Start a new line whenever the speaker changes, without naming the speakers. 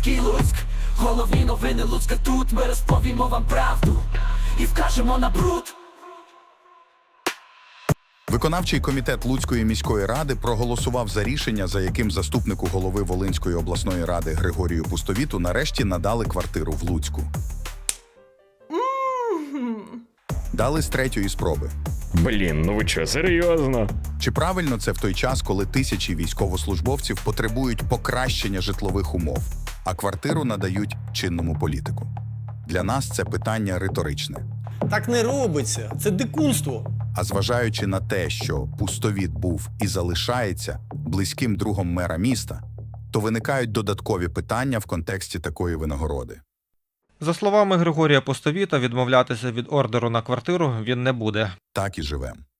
міський Луцьк. Головні новини Луцька тут. Ми розповімо вам правду і вкажемо на бруд.
Виконавчий комітет Луцької міської ради проголосував за рішення, за яким заступнику голови Волинської обласної ради Григорію Пустовіту нарешті надали квартиру в Луцьку. Дали з третьої спроби.
Блін, ну ви чо, серйозно?
Чи правильно це в той час, коли тисячі військовослужбовців потребують покращення житлових умов, а квартиру надають чинному політику? Для нас це питання риторичне.
Так не робиться. Це дикунство.
А зважаючи на те, що Пустовіт був і залишається близьким другом мера міста, то виникають додаткові питання в контексті такої винагороди.
За словами Григорія Пустовіта, відмовлятися від ордеру на квартиру він не буде.
Так і живем.